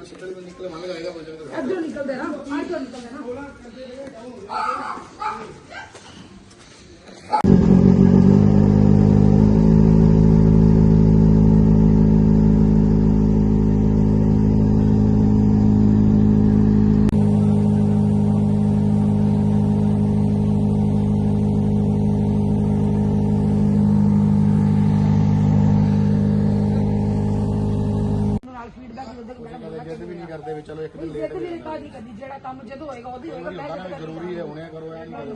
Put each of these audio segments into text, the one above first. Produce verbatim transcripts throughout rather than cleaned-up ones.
इधर निकल दे ना, इधर निकल दे ना। ਕਰਦੇ ਵੀ ਚਲੋ ਇੱਕ ਦਿਨ ਲੇਟ ਵੀ ਨਹੀਂ ਕਰਦੀ ਜਿਹੜਾ ਕੰਮ ਜਦੋਂ ਹੋਏਗਾ ਉਹਦੀ ਹੋਏਗਾ ਜ਼ਰੂਰੀ ਹੈ ਹੁਣੇ ਕਰੋ ਐ ਨਹੀਂ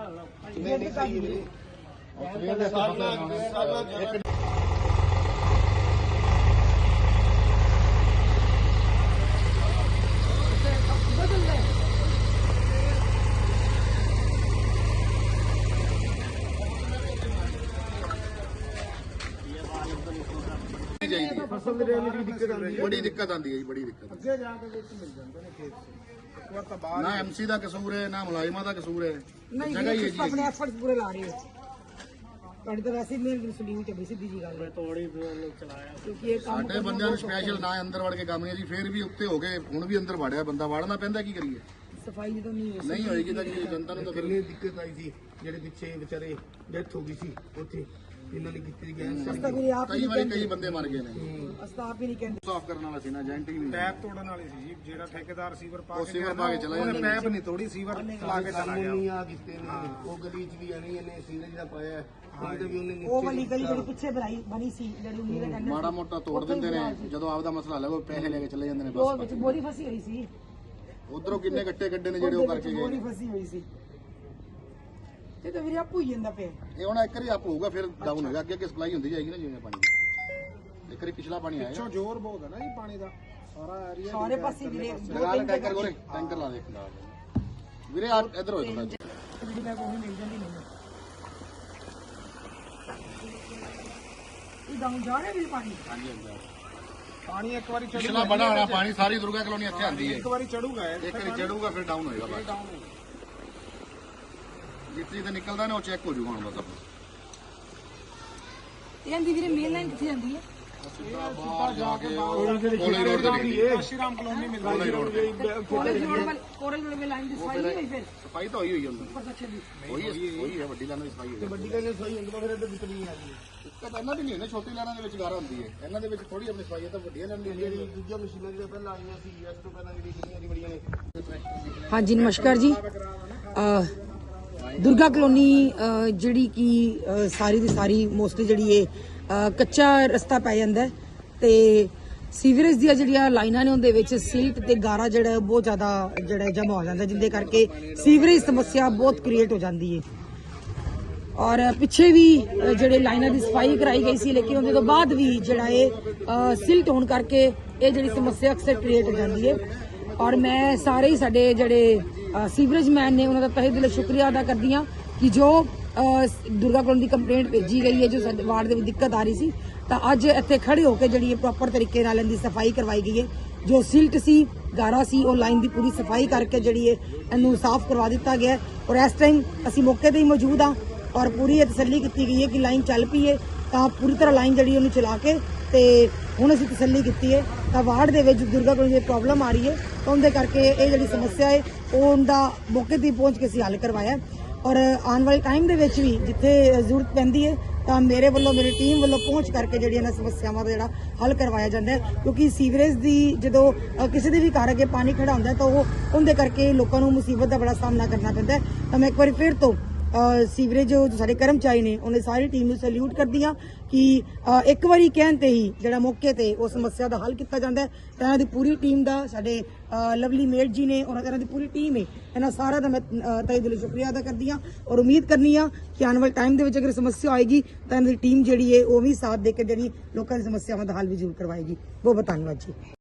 फसल में रहने की दिक्कत आती है, बड़ी दिक्कत आती है जी, बड़ी दिक्कत ਅੱਗੇ ਜਾ ਕੇ ਵਿੱਚ ਮਿਲ ਜਾਂਦੇ ਨੇ ਖੇਤ ਇੱਕ ਵਾਰ ਤਾਂ ਬਾਹਰ ना एमसी का कसूर है ना मुलाजिमा का कसूर है नहीं जगह ही है ये जी अपने एफर्ट्स पूरे ला रहे हो ਤੁਹਾਡੀ ਤਾਂ ਵੈਸੇ ਮੇਰੀ ਸੋਲੂਸ਼ਨ ਚੱਲੀ ਸਿੱਧੀ ਜੀ ਗੱਲ ਹੈ ਤੋੜੀ ਚਲਾਇਆ ਕਿਉਂਕਿ ਇਹ ਕੰਮ ਸਾਡੇ ਬੰਦਿਆਂ ਨੂੰ ਸਪੈਸ਼ਲ ਨਾ ਅੰਦਰ ਵੜ ਕੇ ਕੰਮ ਨਹੀਂ ਜੀ ਫੇਰ ਵੀ ਉੱਤੇ ਹੋ ਗਏ ਹੁਣ ਵੀ ਅੰਦਰ ਵੜਿਆ ਬੰਦਾ ਵੜਨਾ ਪੈਂਦਾ ਕੀ ਕਰੀਏ ਸਫਾਈ ਜਦੋਂ ਨਹੀਂ ਹੋਈ ਨਹੀਂ ਹੋਏਗੀ ਤਾਂ ਕੀ ਜਨਤਾ ਨੂੰ ਤਾਂ ਫਿਰ ਕਿੰਨੀ ਦਿੱਕਤ ਆਈ ਸੀ ਜਿਹੜੇ ਪਿੱਛੇ ਵਿਚਾਰੇ ਡੈਥ ਹੋ ਗਈ ਸੀ ਉੱਥੇ ਇਹਨਾਂ ਨੇ ਕੀਤੀ ਗੈਸ ਅਸਤਾ ਵੀ ਆਪ ਕਈ ਵਾਰੀ ਕਈ ਬੰਦੇ ਮਰ ਗਏ ਨੇ ਅਸਤਾ ਆਪ ਹੀ ਨਹੀਂ ਕਹਿੰਦੇ ਸਾਫ਼ ਕਰਨ ਵਾਲਾ ਸੀ ਨਾ ਏਜੰਟ ਹੀ ਨਹੀਂ ਪੈਪ ਤੋੜਨ ਵਾਲੀ ਸੀ ਜੀ, ਜਿਹੜਾ ਠੇਕੇਦਾਰ ਸੀਵਰ ਪਾ ਉਹ ਕੇ ਸੀਵਰ ਪਾ ਕੇ ਚਲਾ ਉਹਨੇ ਜਾਂਦਾ ਪੈਪ ਨਹੀਂ ਤੋੜੀ, ਸੀਵਰ ਲਾ ਕੇ ਚਲਾ ਗਿਆ। ਨਹੀਂ ਆ ਕਿਤੇ ਨੇ ਉਹ ਗਲੀ ਚ ਵੀ ਆਣੀ ਇਹਨੇ ਸੀਵਰੇਜ ਦਾ ਪਾਇਆ ਉਹਦੇ ਵੀ ਉਹਨੇ ਉਹ ਵਾਲੀ ਗਲੀ ਜਿਹੜੀ ਪਿੱਛੇ ਬਣਾਈ ਬਣੀ ਸੀ ਜਿਹੜੀ ਉਨੀ ਦਾ ਕਹਿੰਦੇ ਮਾੜਾ ਮੋਟਾ ਤੋੜ ਦਿੰਦੇ ਨੇ ਜਦੋਂ ਆਪਦਾ ਮਸਲਾ ਲੱਗੋ ਪੈਸੇ ਲੈ ਕੇ ਚਲੇ ਜਾਂਦੇ ਨੇ ਉਹ ਬਸ ਵਿੱਚ ਬੋਰੀ ਫਸੀ ਹੋਈ ਸੀ ਉਧਰੋਂ ਕਿੰਨੇ ਗੱਟੇ ਗੱਡੇ ਨੇ ਜਿਹੜੇ ਉਹ ਕਰਕੇ ਬੋਰੀ ਗਏ ਫਸੀ ਹੋਈ ਸੀ ਤੇ ਤਾਂ ਵੀਰੇ ਆਪੂ ਹੀ ਜਾਂਦਾ ਪਿਆ ਇਹ ਹੁਣ ਇੱਕ ਵਾਰੀ ਅਪ ਹੋਊਗਾ ਫਿਰ ਡਾਊਨ ਹੋਏਗਾ ਅੱਗੇ ਅੱਗੇ ਸਪਲਾਈ ਹੁੰਦੀ ਜਾਏਗੀ ਨਾ ਜਿਵੇਂ ਪਾਣੀ ਦੀ ਇੱਕ ਵਾਰੀ ਪਿਛਲਾ ਪਾਣੀ ਆਇਆ ਪਿੱਛੋਂ ਜ਼ੋਰ ਬਹੁਤ ਹੈ ਨਾ ਜੀ ਪਾਣੀ ਦਾ, ਸਾਰਾ ਏਰੀਆ ਸਾਰੇ ਪਾਸੇ ਵੀਰੇ ਲਗਾ ਲੈ ਟੈਂਕਰ ਕੋਲੇ ਟੈਂਕਰ ਲਾ ਦੇ ਵੀਰੇ ਆ ਇੱਧਰ ਹੋਏ ਥੋੜਾ ਜਿਹੜੀ ਮੈਂ ਕੋਈ ਮਿਲ ਜਾਂਦੀ ਨਹੀਂ ਇਹ ਡਾਊਨ ਜਾ ਰਿਹਾ ਵੀ ਪਾਣੀ ਹਾਂਜੀ ਹਾਂਜੀ ਪਾਣੀ ਇੱਕ ਵਾਰੀ ਪਿਛਲਾ ਚੜੂਗਾ, ਬੜਾ ਹੋਣਾ ਪਾਣੀ ਸਾਰੀ ਦੁਰਗਾ ਕਲੋਨੀ ਇੱਥੇ ਆਂਦੀ ਹੈ ਇੱਕ ਵਾਰੀ ਚੜੂਗਾ ਇਹ ਇੱਕ ਵਾਰੀ ਚੜੂਗਾ ਫਿਰ ਡਾਊਨ ਹੋਏਗਾ ਬਸ ਡਾਊਨ ਹੋਊਗਾ। ਜਿੱਥੇ ਤੇ ਨਿਕਲਦਾ ਨਾ ਉਹ ਚੈੱਕ ਹੋ ਜੂਗਾ ਹੁਣ ਬਸ ਇਹਦੀ ਵੀਰੇ ਮੇਨ ਲਾਈਨ ਕਿੱਥੇ ਜਾਂਦੀ ਹੈ ਬਾਹਰ ਜਾ ਕੇ ਕੋਲੇ ਰੋਡ ਤੇ ਨਿਕਲੀ ਸ਼੍ਰੀਰਾਮ ਕਲੋਨੀ ਮਿਲ ਕੋਲੇ ਰੋਡ ਤੇ ਕਾਲਜ ਰੋਡ ਵਾਲੀ ਕਾਲਜ ਰੋਡ ਵਾਲੀ ਲਾਈਨ ਦੀ ਸਫਾਈ ਨਹੀਂ ਹੋਈ ਫਿਰ ਸਫਾਈ ਤਾਂ ਹੋਈ ਹੋਈ ਹੁੰਦਾ ਉੱਪਰ ਤੱਕ ਦੀ ਹੋਈ ਹੈ ਹੋਈ ਹੈ ਵੱਡੀ ਲਾਈਨਾਂ ਦੀ ਸਫਾਈ ਹੋਈ ਵੱਡੀ ਗੱਲ ਸਹੀ ਹੁੰਦਾ ਫਿਰ ਇਹਦੇ ਦਿੱਕਤ ਨਹੀਂ ਆਉਂਦੀ ਦਿੱਕਤ ਇਹਨਾਂ ਦੀ ਨਹੀਂ ਹੁੰਦੀ ਛੋਟੀ ਲਾਈਨਾਂ ਦੇ ਵਿੱਚ ਗਾਰਾ ਹੁੰਦੀ ਹੈ ਇਹਨਾਂ ਦੇ ਵਿੱਚ ਥੋੜੀ ਆਪਣੀ ਸਫਾਈ ਹੈ ਤਾਂ ਵੱਡੀਆਂ ਲਾਈਨਾਂ ਦੀ ਜਿਹੜੀ ਦੂਜੀਆਂ ਮਸ਼ੀਨਾਂ ਜਿਹੜੀਆਂ ਪਹਿਲਾਂ ਆਈਆਂ ਸੀ ਇਸ ਤੋਂ ਪਹਿਲਾਂ ਜਿਹੜੀ ਕਿੰਨੀਆਂ ਦੀ ਬੜੀਆਂ ਨੇ ਹਾਂਜੀ ਨਮਸਕਾਰ ਜੀ ਅ, ਦੁਰਗਾ ਕਲੋਨੀ ਅ, ਜਿਹੜੀ ਕਿ ਅ, ਸਾਰੀ ਦੀ ਸਾਰੀ ਮੋਸਟਲੀ ਜਿਹੜੀ ਇਹ ਅ, ਕੱਚਾ ਰਸਤਾ ਪੈ ਜਾਂਦਾ ਹੈ ਤੇ ਸੀਵਰੇਜ ਦੀਆਂ ਜਿਹੜੀਆਂ ਲਾਈਨਾਂ ਨੇ ਉਹਦੇ ਵਿੱਚ ਸਿਲਟ ਤੇ ਗਾਰਾ ਜਿਹੜਾ ਬਹੁਤ ਜ਼ਿਆਦਾ ਜਿਹੜਾ ਜਮਾ ਹੋ ਜਾਂਦਾ ਜਿੰਦੇ ਕਰਕੇ ਸੀਵਰੇਜ ਸਮੱਸਿਆ ਬਹੁਤ ਕ੍ਰੀਏਟ ਹੋ ਜਾਂਦੀ ਹੈ ਔਰ ਪਿੱਛੇ ਵੀ ਅ, ਜਿਹੜੇ ਲਾਈਨਾਂ ਦੀ ਸਫਾਈ ਕਰਾਈ ਗਈ ਸੀ ਲੇਕਿਨ ਉਹਦੇ ਤੋਂ ਬਾਅਦ ਵੀ ਜਿਹੜਾ ਇਹ ਅ, ਸਿਲਟ ਹੋਣ ਕਰਕੇ ਇਹ ਜਿਹੜੀ ਸਮੱਸਿਆ ਅਕਸਰ ਕ੍ਰੀਏਟ ਹੋ ਜਾਂਦੀ ਹੈ ਔਰ ਮੈਂ ਸਾਰੇ ਹੀ ਸਾਡੇ ਜਿਹੜੇ ਅ, ਸੀਵਰੇਜ ਮੈਨ ਨੇ ਉਹਨਾਂ ਦਾ ਤਹਿ ਦਿਲੋਂ ਸ਼ੁਕਰੀਆ ਅਦਾ ਕਰਦੀ ਹਾਂ ਕਿ ਜੋ ਅ, ਦੁਰਗਾ ਕਲੋਨੀ ਦੀ ਕੰਪਲੇਂਟ ਭੇਜੀ ਗਈ ਹੈ ਜੋ ਸਾਡੇ ਵਾਰਡ ਦੇ ਵਿੱਚ ਦਿੱਕਤ ਆ ਰਹੀ ਸੀ ਤਾਂ ਅੱਜ ਇੱਥੇ ਖੜੇ ਹੋ ਕੇ ਜਿਹੜੀ ਇਹ ਪ੍ਰੋਪਰ ਤਰੀਕੇ ਨਾਲ ਇਹਦੀ ਸਫਾਈ ਕਰਵਾਈ ਗਈ ਹੈ ਜੋ ਸਿਲਟ ਸੀ ਗਾਰਾ ਸੀ ਉਹ ਲਾਈਨ ਦੀ ਪੂਰੀ ਸਫਾਈ ਕਰਕੇ ਜਿਹੜੀ ਹੈ ਇਹਨੂੰ ਸਾਫ਼ ਕਰਵਾ ਦਿੱਤਾ ਗਿਆ ਹੈ ਔਰ ਇਸ ਟਾਈਮ ਅਸੀਂ ਮੌਕੇ ਤੇ ਹੀ ਮੌਜੂਦ ਹਾਂ ਔਰ ਪੂਰੀ ਇਹ ਤਸੱਲੀ ਕੀਤੀ ਗਈ ਹੈ ਕਿ ਲਾਈਨ ਚੱਲ ਪਈ ਹੈ ਤਾਂ ਪੂਰੀ ਤਰ੍ਹਾਂ ਲਾਈਨ ਜਿਹੜੀ ਉਹਨੂੰ ਚਲਾ ਕੇ ਤੇ ਹੁਣ ਅਸੀਂ ਤਸੱਲੀ ਕੀਤੀ ਹੈ ਤਾਂ ਵਾਰਡ ਦੇ ਵਿੱਚ ਦੁਰਗਾ ਕਲੋਨੀ ਦੀ ਪ੍ਰੋਬਲਮ ਆ ਰਹੀ ਹੈ ਤਾਂ ਉਹਦੇ ਕਰਕੇ ਇਹ ਜਿਹੜੀ ਸਮੱਸਿਆ ਹੈ ਉਹ ਉਹਦਾ ਮੌਕੇ ਤੇ ਪਹੁੰਚ ਕੇ ਅਸੀਂ ਹੱਲ ਕਰਵਾਇਆ ਔਰ ਆਉਣ ਵਾਲੇ ਟਾਈਮ ਦੇ ਵਿੱਚ ਵੀ ਜਿੱਥੇ ਜ਼ਰੂਰਤ ਪੈਂਦੀ ਹੈ ਤਾਂ ਮੇਰੇ ਵੱਲੋਂ ਮੇਰੀ ਟੀਮ ਵੱਲੋਂ ਪਹੁੰਚ ਕਰਕੇ ਜਿਹੜੀਆਂ ਇਹਨਾਂ ਸਮੱਸਿਆਵਾਂ ਦਾ ਜਿਹੜਾ ਹੱਲ ਕਰਵਾਇਆ ਜਾਂਦਾ ਹੈ ਕਿਉਂਕਿ ਸੀਵਰੇਜ ਦੀ ਜਦੋਂ ਅ, ਕਿਸੇ ਦੇ ਵੀ ਘਰ ਅੱਗੇ ਪਾਣੀ ਖੜਾ ਹੁੰਦਾ ਹੈ ਤਾਂ ਉਹ ਉਹਦੇ ਕਰਕੇ ਲੋਕਾਂ ਨੂੰ ਮੁਸੀਬਤ ਦਾ ਬੜਾ ਸਾਹਮਣਾ ਕਰਨਾ ਪੈਂਦਾ ਹੈ ਤਾਂ ਮੈਂ ਇੱਕ ਵਾਰੀ ਫਿਰ ਤੋਂ ਅ, ਸੀਵਰੇਜ ਜੋ ਸਾਡੇ ਕਰਮਚਾਰੀ ਨੇ ਉਹਨੇ ਸਾਰੀ ਟੀਮ ਨੂੰ ਸੈਲੂਟ ਕਰਦੀ ਹਾਂ ਕਿ ਅ, ਇੱਕ ਵਾਰੀ ਕਹਿਣ ਤੇ ਹੀ ਜਿਹੜਾ ਮੌਕੇ ਤੇ ਉਹ ਸਮੱਸਿਆ ਦਾ ਹੱਲ ਕੀਤਾ ਜਾਂਦਾ ਹੈ ਤਾਂ ਇਹਨਾਂ ਦੀ ਪੂਰੀ ਟੀਮ ਦਾ ਸਾਡੇ ਅ, ਲਵਲੀ ਮੇਟ ਜੀ ਨੇ ਔਰ ਇਹਨਾਂ ਦੀ ਪੂਰੀ ਟੀਮ ਹੈ ਇਹਨਾਂ ਸਾਰਿਆਂ ਦਾ ਮੈਂ ਅ, ਤਹਿ ਦਿਲੋਂ ਸ਼ੁਕਰੀਆ ਅਦਾ ਕਰਦੀ ਹਾਂ ਔਰ ਉਮੀਦ ਕਰਨੀ ਆ ਕਿ ਆਉਣ ਵਾਲੇ ਟਾਈਮ ਦੇ ਵਿੱਚ ਅਗਰ ਸਮੱਸਿਆ ਆਏਗੀ ਤਾਂ ਇਹਨਾਂ ਦੀ ਟੀਮ ਜਿਹੜੀ ਹੈ ਉਹ ਵੀ ਸਾਥ ਦੇ ਕੇ ਜਿਹੜੀ ਲੋਕਾਂ ਦੀ ਸਮੱਸਿਆਵਾਂ ਦਾ ਹੱਲ ਵੀ ਜ਼ਰੂਰ ਕਰਵਾਏਗੀ ਬਹੁਤ ਬਹੁਤ ਧੰਨਵਾਦ ਜੀ।